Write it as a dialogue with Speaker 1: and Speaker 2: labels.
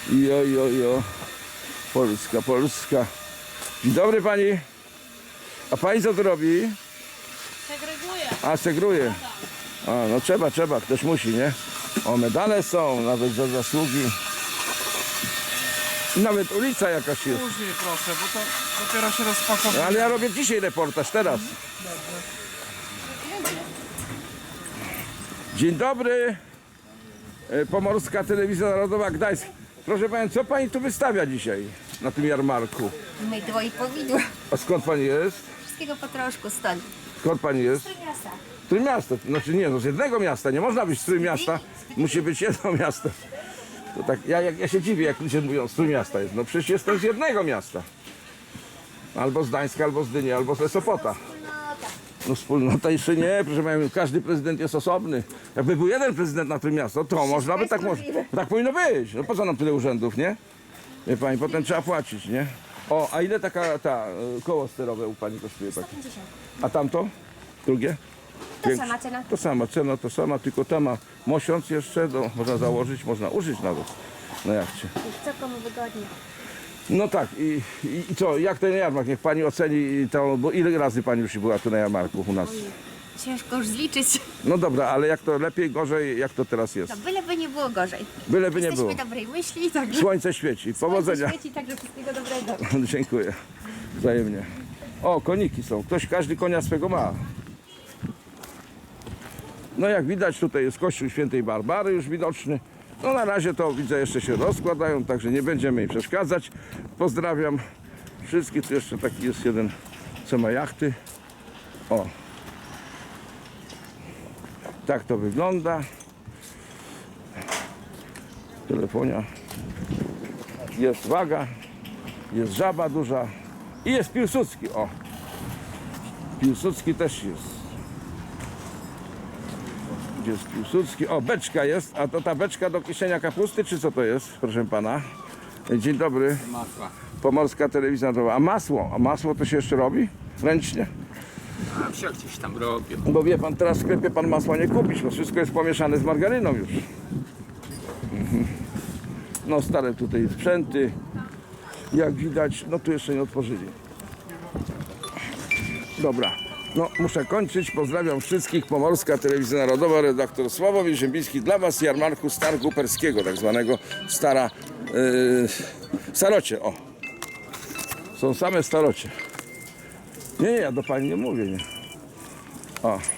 Speaker 1: Jo, jo, jo. Polska, Polska. Dzień dobry pani. A pani co tu robi?
Speaker 2: Segreguję.
Speaker 1: A, segruje. A, no trzeba, ktoś musi, nie? O, medale są, nawet za zasługi. Nawet ulica jakaś jest.
Speaker 3: Później proszę, bo to dopiero się rozpakowuje.
Speaker 1: Ale ja robię dzisiaj reportaż, teraz. Dzień dobry. Pomorska Telewizja Narodowa Gdańsk. Proszę pani, co pani tu wystawia dzisiaj na tym jarmarku?
Speaker 4: Mydło i powidło.
Speaker 1: A skąd pani jest?
Speaker 4: Wszystkiego po troszku stąd.
Speaker 1: Skąd pani jest?
Speaker 4: Miasta.
Speaker 1: Z Trójmiasta. Znaczy nie, no z jednego miasta. Nie można być z Trójmiasta. Musi być jedno miasto. To tak, ja się dziwię, jak ludzie mówią, z Trójmiasta jest. No przecież jestem z jednego miasta. Albo z Gdańska, albo z Gdyni, albo z Sopota. No wspólnota jeszcze nie, proszę pani, każdy prezydent jest osobny. Jakby był jeden prezydent na Trójmiasto, to można by tak, tak powinno być. No po co nam tyle urzędów, nie? Wie pani, potem trzeba płacić, nie? O, a ile taka koło sterowe u pani kosztuje?
Speaker 4: 150.
Speaker 1: A tamto? Drugie?
Speaker 4: To sama cena.
Speaker 1: To sama cena, to sama, tylko ta ma mosiąc jeszcze, można założyć, można użyć nawet na jachcie.
Speaker 4: Co komu wygodnie.
Speaker 1: No tak, i co, jak ten jarmark? Niech pani oceni to, bo ile razy pani już była tu na jarmarku u nas?
Speaker 4: Ciężko już zliczyć.
Speaker 1: No dobra, ale jak to lepiej, gorzej, jak to teraz jest?
Speaker 4: No byleby nie było gorzej.
Speaker 1: Byleby nie było.
Speaker 4: Jesteśmy dobrej myśli, także
Speaker 1: Słońce świeci, powodzenia.
Speaker 4: świeci, także wszystkiego dobrego.
Speaker 1: Dziękuję, wzajemnie. O, koniki są, każdy konia swego ma. No jak widać, tutaj jest kościół świętej Barbary już widoczny. No na razie to widzę, jeszcze się rozkładają, także nie będziemy jej przeszkadzać. Pozdrawiam wszystkich. Tu jeszcze taki jest jeden, co ma jachty. O. Tak to wygląda. Telefonia. Jest waga. Jest żaba duża. I jest Piłsudski. O. Piłsudski też jest. Gdzie jest Piłsudski? O, beczka jest. A to ta beczka do kieszenia kapusty, czy co to jest, proszę pana? Dzień dobry.
Speaker 3: Masła.
Speaker 1: Pomorska Telewizja Narodowa. A masło? A masło to się jeszcze robi? Ręcznie?
Speaker 3: A wsio gdzieś tam robię.
Speaker 1: Bo wie pan, teraz w sklepie pan masła nie kupisz, bo wszystko jest pomieszane z margaryną już. No stare tutaj sprzęty. Jak widać, no tu jeszcze nie otworzyli. Dobra. No, muszę kończyć. Pozdrawiam wszystkich. Pomorska Telewizja Narodowa, redaktor Sławomir Ziembiński dla was z jarmarku Stargu Perskiego, tak zwanego starocie. O. Są same starocie. Nie, ja do pani nie mówię, nie. O.